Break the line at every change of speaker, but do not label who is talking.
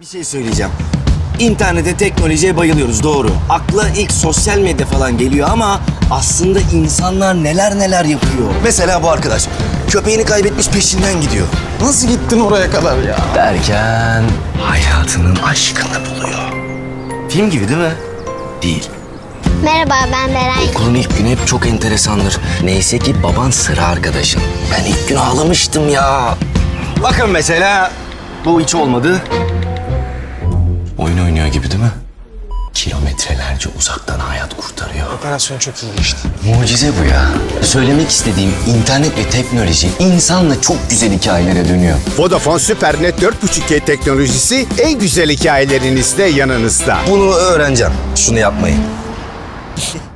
Bir şey söyleyeceğim. İnternete, teknolojiye bayılıyoruz, doğru. Akla ilk sosyal medya falan geliyor ama aslında insanlar neler neler yapıyor. Mesela bu arkadaş köpeğini kaybetmiş, peşinden gidiyor.
Nasıl gittin oraya kadar ya?
Derken hayatının aşkını buluyor. Film gibi değil mi? Değil.
Merhaba, ben Beren.
Okulun ilk günü hep çok enteresandır. Neyse ki baban sıra arkadaşın. Ben ilk gün ağlamıştım ya. Bakın mesela bu hiç olmadı. Oyun oynuyor gibi değil mi? Kilometrelerce uzaktan hayat kurtarıyor.
Operasyon çok iyi geçti.
Mucize bu ya. Söylemek istediğim internet ve teknoloji insanla çok güzel hikayelere dönüyor.
Vodafone SuperNet 4.5G teknolojisi en güzel hikayelerinizde yanınızda.
Bunu öğreneceğim. Şunu yapmayın.